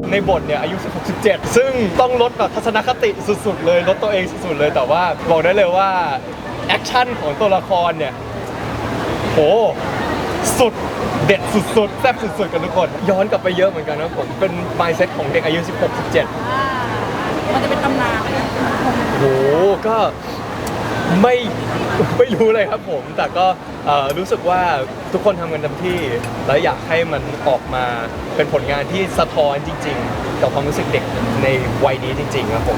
ในบทเนี่ยอายุ16 17ซึ่งต้องลดแบบทัศนคติสุดๆเลยลดตัวเองสุดๆเลยแต่ว่าบอกได้เลยว่าแอคชั่นของตัวละครเนี่ยโหสุดเด็ดสุดๆแซ่บสุดๆกันทุกคนย้อนกลับไปเยอะเหมือนกันนะผมเป็น mindset ของเด็กอายุ16 17 มันจะเป็นตำนานเลยนะโหก็ไม่รู้เลยครับผมแต่ก็รู้สึกว่าทุกคนทำกันเต็มที่และอยากให้มันออกมาเป็นผลงานที่สะท้อนจริงๆต่อความรู้สึกเด็กในวัยนี้จริงๆครับผม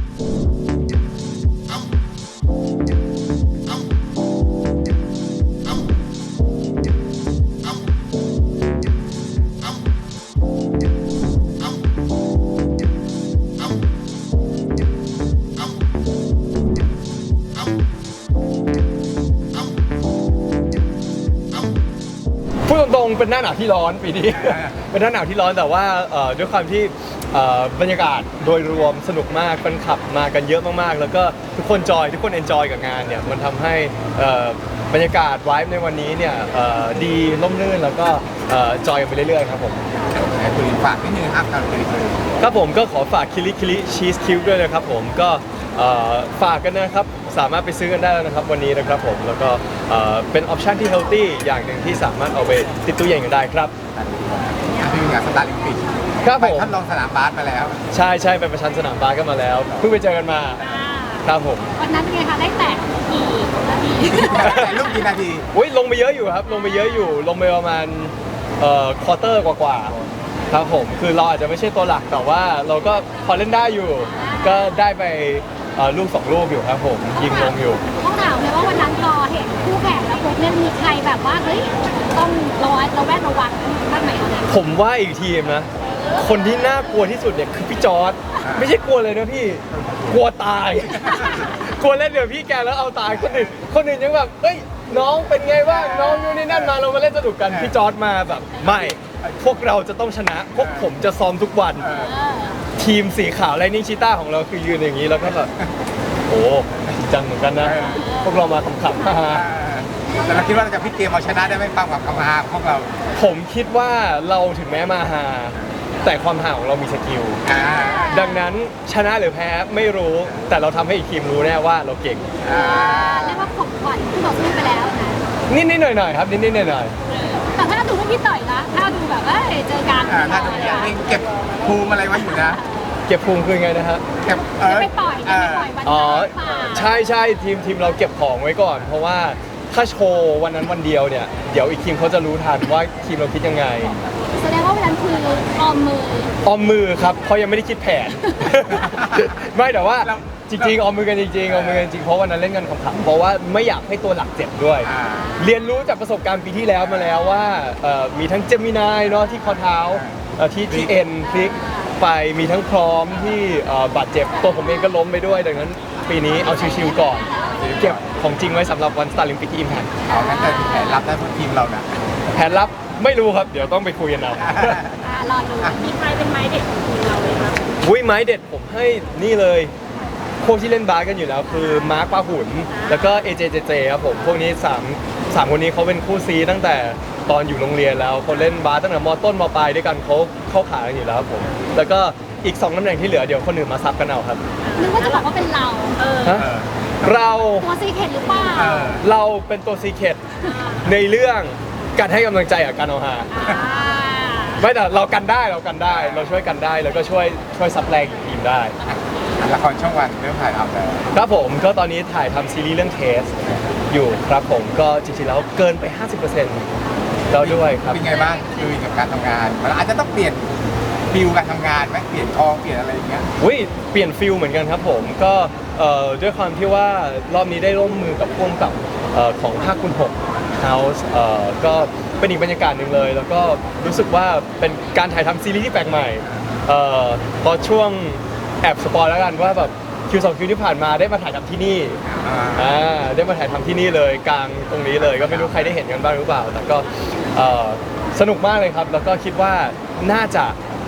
พูดตรงๆเป็นหน้าหนาวที่ร้อนปีนี้ เป็นหน้าหนาวที่ร้อนแต่ว่าด้วยความที่บรรยากาศโดยรวมสนุกมากแฟนคลับมากันเยอะมากๆแล้วก็ทุกคนทุกคนเอนจอยกับงานเนี่ยมันทำให้บรรยากาศไวฟ์ในวันนี้เนี่ยดีร่มรื่นแล้วก็จอยกันไปเรื่อยๆครับผมคุณฝากนิดนึงครับครับผมก็ขอฝากคิริคิริชีสคิวด้วยนะครับผมก็ฝากกันนะครับสามารถไปซื้อกันได้แล้วนะครับวันนี้นะครับผมแล้วก็เป็นออปชันที่เฮลตี้อย่างหนึ่งที่สามารถเอาไปติดตู้เย็นกันได้ครับที่งานสตาร์ลิมปิกครับผมไปทดลองสนามบาสมาแล้วใช่ไปประชันสนามบาสกันมาแล้วเพิ่งไปเจอกันมาครับผมวันนั้นเป็นไงคะได้แตะกี่นาทีแต่ลูกกี่นาทีอุ้ยลงไปเยอะอยู่ครับลงไปเยอะอยู่ลงไปประมาณควอเตอร์กว่าครับผมคือเราอาจจะไม่ใช่ตัวหลักแต่ว่าเราก็พอเล่นได้อยู่ก็ได้ไปลูก2 ลูกอยู่ครับผมยิงลงอยู่ต้องถามเลยว่าวันนั้นพอเห็นคู่แข่งแล้วพวกเนี่ยมีใครแบบว่าเฮ้ยต้องระแวดระวังบ้างไหมคะผมว่าอีกทีมนะคนที่น่ากลัวที่สุดเนี่ยคือพี่จอร์ดไม่ใช่กลัวเลยนะพี่กลัวตายกลัวเล่นเดี๋ยวพี่แกแล้วเอาตายคนอื่นยังแบบเฮ้ยน้องเป็นไงบ้างน้องนู่นนี่นั่นมาเรามาเล่นสนุกกันพี่จอร์ดมาแบบไม่พวกเราจะต้องชนะพวกผมจะซ้อมทุกวันทีมสีขาวไลนิ่งชีต้าของเราคือยืนอย่างนี้แล้วก็แบบโอ้จริงจังเหมือนกันนะพวกเรามาขำๆแต่เราคิดว่าเราจะพลิกเกมเอาชนะได้ไหมความกับความฮาของเราผมคิดว่าเราถึงแม้มาฮาแต่ความฮาของเรามีสกิลดังนั้นชนะหรือแพ้ไม่รู้แต่เราทำให้อีกทีมรู้แน่ว่าเราเก่งเรียกว่าขบขวัญที่บอกสู้ไปแล้วนะนิดหน่อยครับนิดหน่อยแต่ถ้าดูไม่พี่ต่อยนะถ้าดูแบบว่าเจอกันถ้าดูยังเก็บภูมิอะไรไว้อยู่นะเก็บภูมิคือไงนะฮะเก็บจะไปปล่อยวันใช่ทีมเราเก็บของไว้ก่อนเพราะว่าถ้าโชว์วันนั้นวันเดียวเนี่ยเดี๋ยวอีกทีมเขาจะรู้ทันว่าทีมเราคิดยังไงแสดงว่าวันนั้นคือออมมือครับเขายังไม่ได้คิดแผน ไม่แต่ว่าจริงๆออมมือกันจริงเพราะวันนั้นเล่นกันขำๆเพราะว่าไม่อยากให้ตัวหลักเจ็บด้วยเรียนรู้จากประสบการณ์ปีที่แล้วมาแล้วว่ามีทั้งเจมินายเนาะที่ข้อเท้าที่เอ็นพลิกไปมีทั้งพร้อมที่บาดเจ็บตัวผมเองก็ล้มไปด้วยดังนั้นปีนี้เอาชิวๆก่อนเก็บของจริงไว้สำหรับวันสตาร์ลิมปิกที่อิมแพคงั้นแต่แผนรับได้ทุกทีมเรานะแผนรับไม่รู้ครับเดี๋ยวต้องไปคุยกันเอารอดูมีใครเป็นไม้เด็ดของทีมเราเลยคะไม้เด็ดผมให้นี่เลยพวกที่เล่นบาสกันอยู่แล้วคือมาร์คปาหุนแล้วก็เอเจครับผมพวกนี้3คนนี้เขาเป็นคู่ซีตั้งแต่ตอนอยู่โรงเรียนแล้วเขาเล่นบาสตั้งแต่ม.ต้นม.ปลายด้วยกันเขาเข้าขากันอยู่แล้วครับผมแล้วก็อีก2 ตำแหน่งที่เหลือเดี๋ยวคนอื่นมาซับกันเอาครับนึกว่าจะบอกว่าเป็นเราเราตัวซีเคทหรือเปล่าเราเป็นตัวซีเคทในเรื่องการให้กำลังใจกับการเอาฮาไม่แต่เรากันได้เราช่วยกันได้แล้วก็ช่วยซับแรงทีมได้ละครช่องวันเริ่มถ่ายทำแล้วครับผมก็ตอนนี้ถ่ายทำซีรีส์เรื่องเทสอยู่ครับผมก็จริงๆแล้วเกินไป 50%แล้วด้วยครับเป็นไงบ้างคือกับการทำงานมันอาจจะต้องเปลี่ยนฟิลการทำงานไหมเปลี่ยนเปลี่ยนอะไรอย่างเงี้ยเปลี่ยนฟิลเหมือนกันครับผมก็ด้วยความที่ว่ารอบนี้ได้ร่วมมือกับพ่วงกับของ5คูณ6 House ก็เป็นอีกบรรยากาศหนึ่งเลยแล้วก็รู้สึกว่าเป็นการถ่ายทำซีรีส์ที่แปลกใหม่พอช่วงแอบสปอยแล้วกันว่าแบบคิว2 คิวที่ผ่านมาได้มาถ่ายทำที่นี่ได้มาถ่ายทำที่นี่เลยกลางตรงนี้เลยก็ไม่รู้ใครได้เห็นกันบ้างหรือเปล่าแต่ก็สนุกมากเลยครับแล้วก็คิดว่าน่าจะ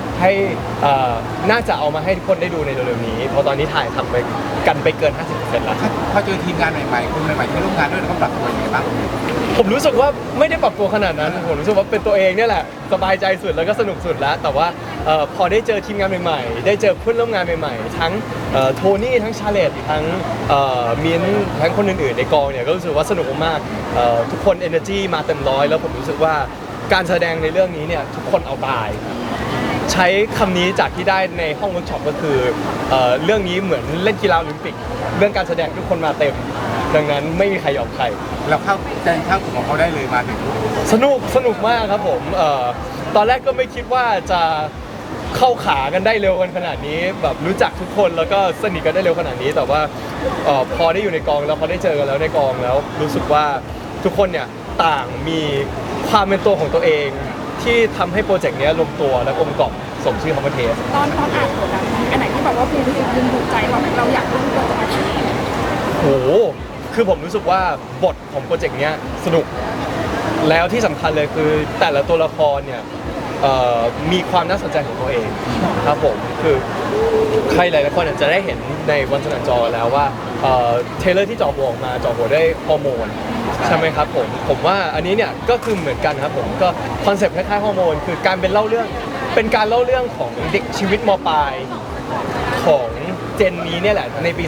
เอามาให้ทุกคนได้ดูในเร็วๆนี้เพราะตอนนี้ถ่ายทำไปกันไปเกิน 50% แล้วพอเจอทีมงานใหม่ๆคนใหม่ๆที่ร่วมงานด้วยเขาปรับตัวยังไงบ้างผมรู้สึกว่าไม่ได้ปรับตัวขนาดนั้นผมรู้สึกว่าเป็นตัวเองเนี่ยแหละสบายใจสุดแล้วก็สนุกสุดแล้วแต่ว่าพอได้เจอทีมงานใหม่ๆได้เจอเพื่อนร่วมงานใหม่ๆทั้งโทนี่ทั้งชาเลตทั้งมิ้นท์ทั้งคนอื่นๆในกองเนี่ยก็รู้สึกว่าสนุกมากๆทุกคน energy มาเต็มร้อยแล้วผมรู้สึกว่าการแสดงในเรื่องนี้เนี่ยทุกคนเอาตายใช้คำนี้จากที่ได้ในห้องเวิร์กช็อปก็คือเรื่องนี้เหมือนเล่นกีฬาโอลิมปิกเรื่องการแสดงทุกคนมาเต็มดังนั้นไม่มีใครยอมใครเราเข้าใจเข้าของเขาได้เลยมาถึงสนุกมากครับผมตอนแรกก็ไม่คิดว่าจะเข้าขากันได้เร็วกันขนาดนี้แบบรู้จักทุกคนแล้วก็สนิทกันได้เร็วขนาดนี้แต่ว่าพอได้อยู่ในกองแล้วพอได้เจอกันแล้วในกองแล้วรู้สึกว่าทุกคนเนี่ยต่างมีความเป็นตัวของตัวเองที่ทำให้โปรเจกต์นี้ลงตัวและกลมกล่อมสมชื่อคำว่าเทสตอนอ่านบทอันไหนที่แบบว่าภูมิถูกใจเราอยากรู้ตัวจะมาที่โหคือผมรู้สึกว่าบทของโปรเจกต์เนี้ยสนุกแล้วที่สำคัญเลยคือแต่ละตัวละครเนี่ยมีความน่าสนใจของตัวเองครับผมคือใครหลายๆคนอาจจะได้เห็นในวันสนันจอแล้วว่าเทรลเลอร์ที่จ่อหัวออกมาจ่อหัวได้วยฮอร์โมนใช่ไหมครับผมว่าอันนี้เนี่ยก็คือเหมือนกันครับผมก็คอนเซ็ปต์คล้ายๆฮอร์โมนคือการเป็นการเล่าเรื่องของเด็กชีวิตมปลายของเจนนี้เนี่ยแหละในปี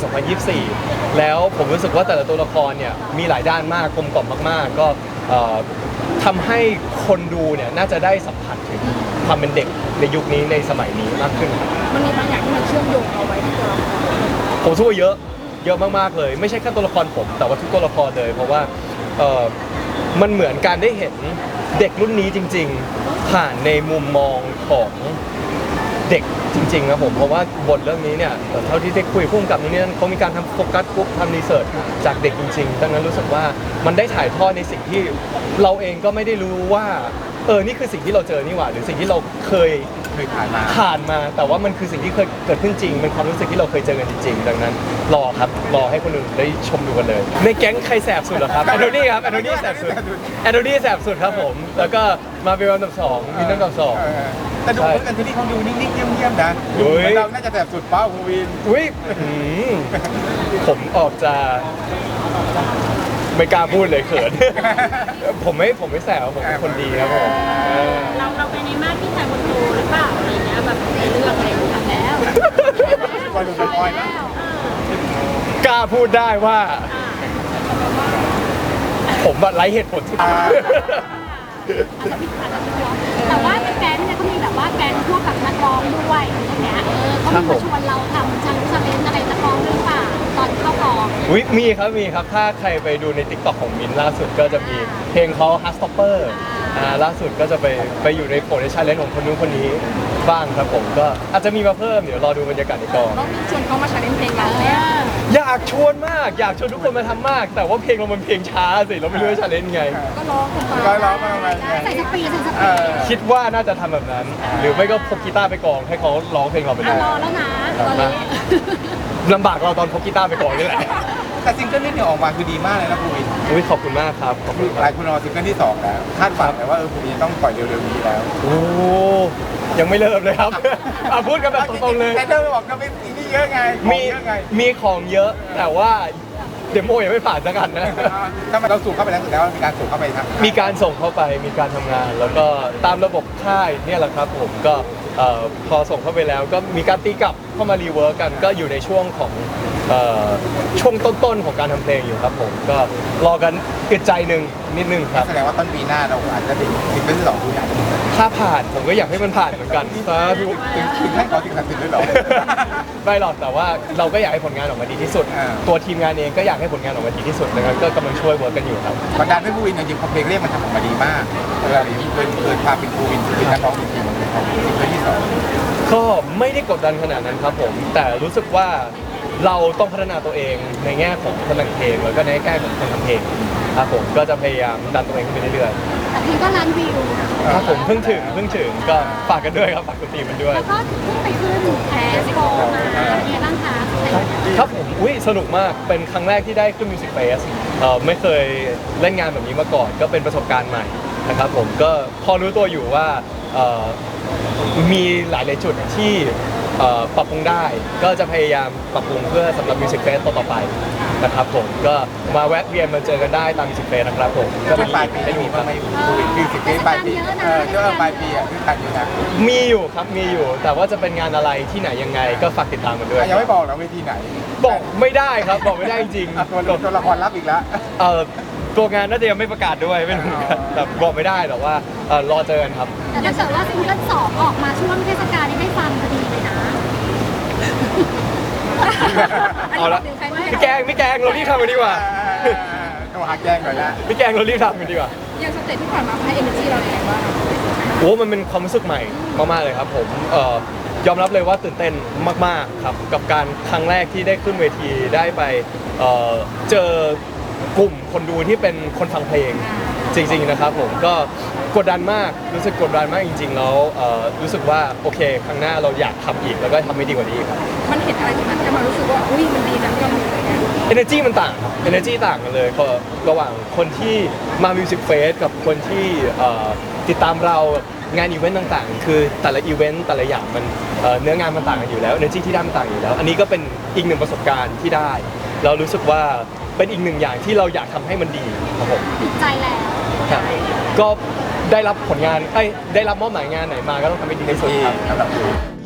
2024 แล้วผมรู้สึกว่าแต่ละตัวละครเนี่ยมีหลายด้านมากกลมกล่อมมากๆก็ทำให้คนดูเนี่ยน่าจะได้สัมผัสถึงความเป็นเด็กในยุคนี้ในสมัยนี้มากขึ้นมันมีบางอย่างที่มันเชื่อมโยงเอาไว้ที่ตัวเราผมช่วยเยอะมากๆเลยไม่ใช่แค่ตัวละครผมแต่ว่าทุกตัวละครเลยเพราะว่ามันเหมือนการได้เห็นเด็กรุ่นนี้จริงๆผ่านในมุมมองของเด็กจริงๆนะผมเพราะว่าบทเรื่องนี้เนี่ยเท่าที่ได้คุยพุ่งกับนี่เขามีการทำโฟกัสกรุ๊ปทำรีเสิร์ชจากเด็กจริงๆดังนั้นรู้สึกว่ามันได้ถ่ายทอดในสิ่งที่เราเองก็ไม่ได้รู้ว่านี่คือสิ่งที่เราเจอนี่หว่าหรือสิ่งที่เราเคยผ่านมาแต่ว่ามันคือสิ่งที่เคยเกิดขึ้นจริงเป็นความรู้สึกที่เราเคยเจอกันจริงๆดังนั้นรอให้คนอื่นได้ชมดูกันเลยในแก๊งใครแสบสุดเหรอครับแอนโทนีครับแอนโทนีแสบสุดครับผมแล้วก็มาเป็นอันดับ2มินอันดับ2 แต่ดูเพื่อนที่นี่เขาดูนิ่งๆเงียบๆนะดูเหมือนเราน่าจะแบบสุดเป้าภูวินอุ้ยผมออกจะไม่กล้าพูดเลยเขิน ผมไม่แสบผมเป็นคนดีครับผมเราไปในมาตรที่ชายบนโตหรือเปล่าอะไรเงี้ยแบบในเรื่องอะไรอย่างเงี้ยแล้วปล่อยดูสปอยล์นะกล้าพูดได้ว่า ผมแบบไร้เหตุผลที่แต่ว่าในแก๊งเนี่ยเขามีแบบว่าแก๊งพวกกับนักร้องด้วยอย่างเงี้ยเขามีมาชวนเราทำชันเลนอะไรนักร้องหรือเปล่าตอนเข้ากองอุ๊ยมีครับถ้าใครไปดูใน TikTok ของมินล่าสุดก็จะมีเพลงเขา Hard Stopper ล่าสุดก็จะไปอยู่ในโปรในชาเลนจ์ของคนนู้นคนนี้บ้างครับผมก็อาจจะมีมาเพิ่มเดี๋ยวรอดูบรรยากาศในกองต้องชวนเขามาใช้เพลงเราเนี่ยอยากชวนมากอยากชวนทุกคนมาทำมาก แต่ว่าเพลงเรามันเพลงช้าสิเราไม่รู้จะชาเลนจ์ไงก็ร้องกันไปก็ร้องมาประมาณใส่สปีดคิดว่าน่าจะทำแบบนั้น หรือไม่ก็พกกีตาร์ไปกองให้เขาร้องเพลงเราไปเลยรอแล้วนะตอนนี้ลำบากเราตอนพกกีตาร์ไปกองนี่แหละแต่ซิงเกิลนี้เนี่ยออกมาคือดีมากเลยนะภูวินอุ๊ยขอบคุณมากครับขอบคุณคหลารัยบคนรอซิงเกิลที่2แล้วคาดหวังเลยว่าภูวินต้องปล่อยเร็วๆนี้แล้วโอ้ยังไม่เริ่มเลยครับ พูดกันแบบตรงๆเลยแต่เธอบอกก็ไม่นี่เยอะไงของมีเยอะไงมีของเยอะแต่ว่าเดโมยังไม่ผ่านสักอันนะถ้ามันเราสูบเข้าไปแล้วสุดแล้วมีการสูบเข้าไปครับมีการส่งเข้าไปมีการทำงาน แล้วก็ตามระบบค่ายเนี่ยแหละครับผมก็พอส่งเข้าไปแล้วก็มีการตีกลับเข้ามารีเวิร์กกันก็อยู่ในช่วงของช่วงต้นๆของการทำเพลงอยู่ครับผมก็รอกันอึดใจนิดนึงครับแสดงว่าต้นปีหน้าเราอาจจะได้ซิงเกิลที่2ผู้ใหญ่ถ้าผ่านผมก็อยากให้มันผ่านเหมือนกันสาธุถึงขั้นขอสิ่งศักดิ์สิทธิ์ด้วยเหรอไม่หรอกแต่ว่าเราก็อยากให้ผลงานออกมาดีที่สุดอ่าตัวทีมงานเองก็อยากให้ผลงานออกมาดีที่สุดนะครับก็กำลังช่วยเวิร์กกันอยู่ครับกดดันให้ภูวินจริงๆพอเพลงเรียกมันทำออกมาดีมากเวลาอย่างนี้เกินความเป็นภูวินคือนักร้องจริงๆของซิงเกิลที่2 ก็ไม่ได้กดดันขนาดนั้นครับผม แต่รู้สึกว่าเราต้องพัฒนาตัวเองในแง่ของคนแต่งเพลงแล้วก็ในแง่ของคนทำเพลงครับผมก็จะพยายามดันตัวเองขึ้นไปเรื่อยแต่เพลงก็ล้านวิวๆครับผมเพิ่งถึงก็ฝากกันด้วยครับฝากคุณทีมมันด้วยแล้วก็เพิ่งไปขึ้นแคสโปมาเป็นไงบ้างคะครับผมอุ้ยสนุกมากเป็นครั้งแรกที่ได้ขึ้นมิวสิกเฟสไม่เคยเล่นงานแบบนี้มาก่อนก็เป็นประสบการณ์ใหม่นะครับผมก็พอรู้ตัวอยู่ว่ามีหลายจุดที่ปรับปรุงได้ก็จะพยายามปรับปรุงเพื่อสำหรับ Music Fest ต่อๆไปนะครับผมก็มาแวะเวียนมาเจอกันได้ตาม Music Fest นะครับผมก็ช่วงปลายปีได้มีมีบ้างไหมโควิดคือ10 ปีปลายปีช่วงปลายปีคือการอยู่นะมีอยู่ครับมีอยู่ แต่ว่าจะเป็นงานอะไรที่ไหนยังไงก็ฝากติดตามกันด้วยยังไม่บอกนะเวทีไหนบอกไม่ได้ครับบอกไม่ได้จริงอ่ะตัวละครรับอีกแล้วเอ่อตัวงานน่าจะยังไม่ประกาศด้วยไม่รู้เหมือนกันแต่บอกไม่ได้แต่ว่ารอเจอกันครับแต่ถ้าเกิดว่าซิงเกิลสองออกมาช่วงเทศกาลนี้ได้ฟังพอดีเลยนะเอาละไม่แกล้งเรารีบทำกันดีกว่าต้องหาแกล้งก่อนละไม่แกล้งเรารีบทำกันดีกว่าอย่างสเตจที่ผ่านมาให้ energy เราอย่างไรบ้างโอ้มันเป็นความรู้สึกใหม่มากๆเลยครับผมยอมรับเลยว่าตื่นเต้นมากๆครับกับการครั้งแรกที่ได้ขึ้นเวทีได้ไปเจอกลุ่มคนดูที่เป็นคนฟังเพลงจริงๆนะครับผมก็กดดันมากรู้สึกกดดันมากจริงๆแล้วรู้สึกว่าโอเคครั้งหน้าเราอยากทำอีกแล้วก็ทำให้ดีกว่านี้ครับมันเห็นอะไรที่มันจะมารู้สึกว่าอุ้ยมันดีจังที่เราทำอย่างเงี้ย energy มันต่างครับ energy ต่างกันเลยพอระหว่างคนที่มา Music Fest กับคนที่ติดตามเรางานอีเวนต์ต่างๆ คือแต่ละอีเวนต์แต่ละอย่างมันเนื้องานมันต่างกันอยู่แล้ว energy ที่ได้มันต่างอยู่แล้ว อันนี้ก็เป็นอีกหนึ่งประสบการณ์ที่ได้เรารู้สึกว่าเป็นอีกหนึ่งอย่างที่เราอยากทำให้มันดีครับผมติดใจแล้วครับก็ได้รับผลงานได้รับมอบหมายงานไหนมาก็ต้องทำให้ดีที่สุดครับสำหรับ